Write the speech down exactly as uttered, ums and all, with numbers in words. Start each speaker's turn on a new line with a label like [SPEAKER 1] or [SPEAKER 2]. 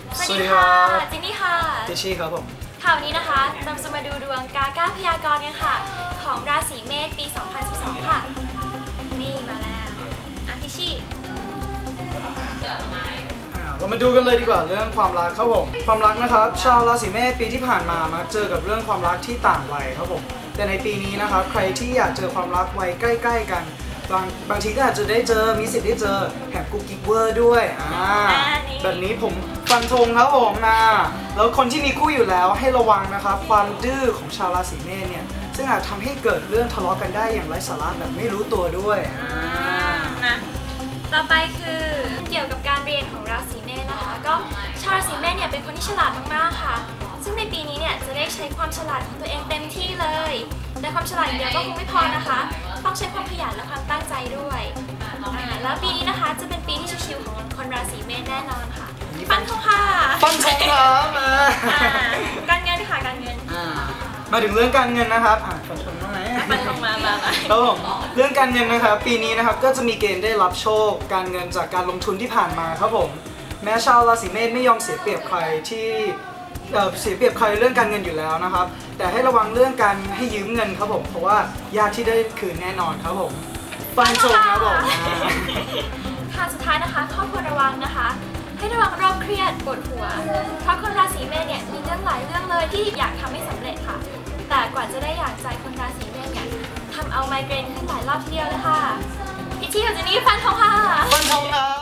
[SPEAKER 1] สวัสดีค่ะจินนี่ค่ะ
[SPEAKER 2] เจชี่ครับผม
[SPEAKER 1] ค่ะวันนี้นะคะเราจะมาดูดวงกาก้าพยากรณ์กันค่ะของราศีเมษปี สองพันสิบสอง ค่ะนี่มาแล้วอาทิชี่
[SPEAKER 2] เรามาดูกันเลยดีกว่าเรื่องความรักครับผมความรักนะครับชาวราศีเมษปีที่ผ่านมามักเจอกับเรื่องความรักที่ต่างวัยครับผมแต่ในปีนี้นะครับใครที่อยากเจอความรักวัยใกล้ๆกันบางบางทีก็อาจจะได้เจอมีสิทธิ์ได้เจอแถมกุ๊กกิ๊กเวอร์ด้วยอ่าแบบนี้ผมฟันธงครับผมนะแล้วคนที่มีคู่อยู่แล้วให้ระวังนะครับความดื้อของชาวราศีเมษเนี่ยซึ่งอาจทำให้เกิดเรื่องทะเลาะกันได้อย่างไร้สาระแบบไม่รู้ตัวด้วย
[SPEAKER 1] นะต่อไปคือเกี่ยวกับการเรียนของราศีเมษนะคะก็ชาวราศีเมษเนี่ยเป็นคนที่ฉลาดมากๆค่ะซึ่งในปีนี้เนี่ยจะได้ใช้ความฉลาดของตัวเองเต็มที่เลยแต่ความฉลาดอย่างเดียวก็คงไม่พอนะคะต้องใช้ความขยันและความตั้งใจด้วยแล้วปีนี้นะคะจะเป็นปีที่ชิวๆของคนราศีเมษแน่นอนค่ะฟันธงค่ะ
[SPEAKER 2] ฟันธงครับ
[SPEAKER 1] การเงินค่ะการเงิน
[SPEAKER 2] มาถึงเรื่องการเงินนะครับอ่าฟันธงมาไหม
[SPEAKER 1] ฟันธงมามา
[SPEAKER 2] ครับผมเรื่องการเงินนะครับปีนี้นะครับก็จะมีเกณฑ์ได้รับโชคการเงินจากการลงทุนที่ผ่านมาครับผมแม้ชาวราศีเมษไม่ยอมเสียเปรียบใครที่เสียเปรียบใครเรื่องการเงินอยู่แล้วนะครับแต่ให้ระวังเรื่องการให้ยืมเงินครับผมเพราะว่ายากที่ได้คืนแน่นอนครับผมฟันธงครับผม
[SPEAKER 1] ค่ะสุดท้ายนะคะข้อควรระวังนะคะให้ระวังโรคเครียดปวดหัวเพราะคนราศีเมษเนี่ยมีเรื่องหลายเรื่องเลยที่อยากทำให้สำเร็จค่ะแต่กว่าจะได้อย่างใจคนราศีเมษเนี่ยทำเอาไมเกรนขึ้นหลายรอบทีเดียวเลยค่ะพี่ชี่กับเจนนี่ฟันธงค่ะ
[SPEAKER 2] ฟันธงครับ